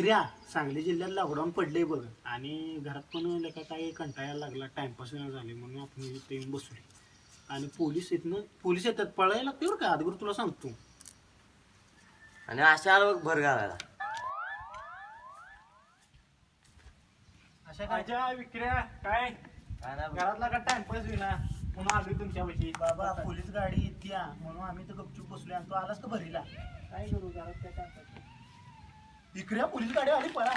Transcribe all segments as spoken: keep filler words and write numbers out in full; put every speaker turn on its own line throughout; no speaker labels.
विक्र्या सांगली जिल्ह्यात लॉकडाऊन पडले बघ आणि घरात पण लेका काही कंटाळायला लागला टाइमपास झाले म्हणून आपण इथे येऊन बसले आणि पोलीस इथनं पोलीस येतात पळायला लागते बरं का अगोदर तुला सांगतो
आणि अशा बघ भर घालायला
अशा काय विक्र्या काय घरातला का टाइमपास विना पुन्हा आलोय तुमच्यापाशी बाबा पोलीस गाडी येते म्हणून आम्ही तर गपचूप बसलोय आणि तू आलास का भरीला काय करू घरात काय टाइमपास विक्र्या पोलीस गाडी आली पळा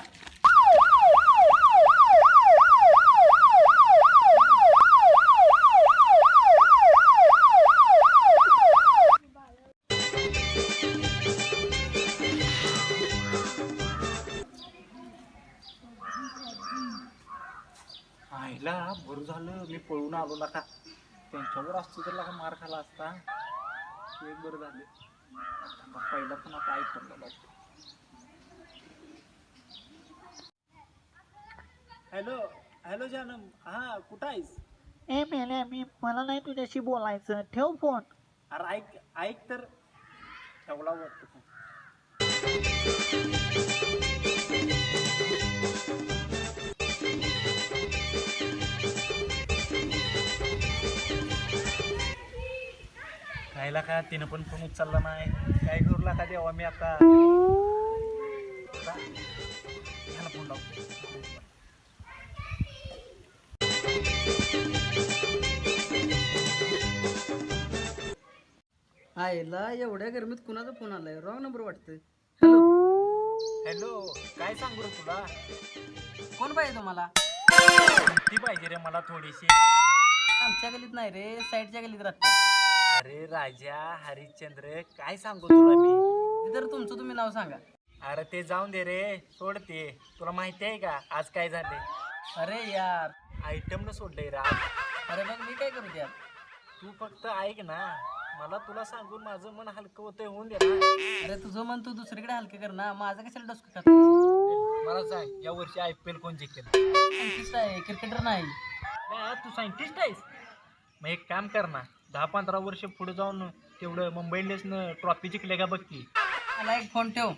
आईला बरं झालं मी पळून आलो नका त्यांच्यावर असतो तर लका मार खाला असता एक बरं झालं पहिला पण आता ऐकलं हॅलो हॅलो जानम हा कुठं आहेस
ए मेल्या मी मला नाही तुझ्याशी बोलायचं ठेव फोन
अरे ऐक ऐक तर ठेवला वाटतो खायला का तिनं पण फोन उचलला नाही काय करू लागा देवा मी आता ह्याला फोन लावतो
आईला एवढ्या गरमीत कुणाचा फोन आलाय रॉंग नंबर वाटतंय हॅलो
हॅलो काय सांगू रे तुला
कोण पाहिजे तुम्हाला
ती पाहिजे रे मला थोडीशी
आमच्या गलीत नाही रे साईडच्या गलीत राहते
अरे राजा हरिश्चंद्र काय सांगू तुला मी
तर तुमचं तुम्ही नाव सांगा
अरे ते जाऊन दे रे सोड ते तुला माहिती आहे का आज काय झाले
अरे यार
आयटम न सोडलंय रा
अरे मग मी काय करू यार
तू फक्त ऐक ना मला तुला सांगून माझं मन हलकं होतंय होऊन दे ना
अरे तुझं मन तू दुसरीकडे हलके कर ना माझं कशाला डोसकं खात
मला सांग या वर्षी आय पी एल कोण जिंकेल
सायंटिस्ट आहे क्रिकेटर नाही
नाही, तू सायंटिस्ट आहेस मग एक काम कर ना दहा पंधरा वर्ष पुढे जाऊन तेवढं मुंबई इंडियन्सनं ट्रॉफी जिंकले का बघ की
मला एक फोन ठेव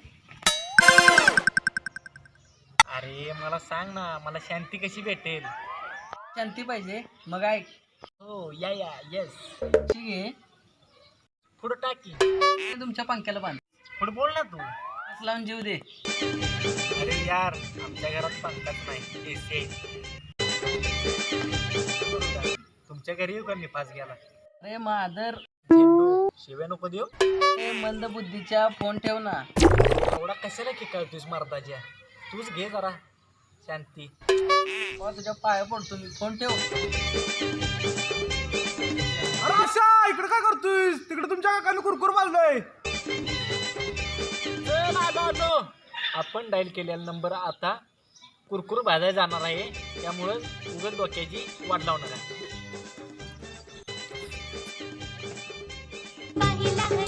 अरे मला सांग ना मला शांती कशी भेटेल
शांती पाहिजे मग ऐक
हो या या येस
ठीक आहे
पुढं टाकी
तुमच्या पंख्याला बांध
पुढे बोल ना तू
असं लावून जीव दे
अरे यार आमच्या घरात पंखाच नाही एसी तुमच्या घरी येऊ का मी पास गेला
अरे मादर
झेंडू शिव्या नको देऊ
ते मंद बुद्धीच्या फोन ठेव ना
एवढा कशाला की कळतोस मर्दाच्या तूच घे जरा शांती
हो, तुझ्या पाया पडतो मी फोन ठेव
अरे आशा इकडे काय करतोय तिकडे तुमच्या काकाने कुरकुर मारलोय
चल आलो आलो आपण डायल केलेला नंबर आता कुरकुर भाजायला जाणार आहे त्यामुळं उगाच डोक्याची वाट लावणार आहे
पाहिला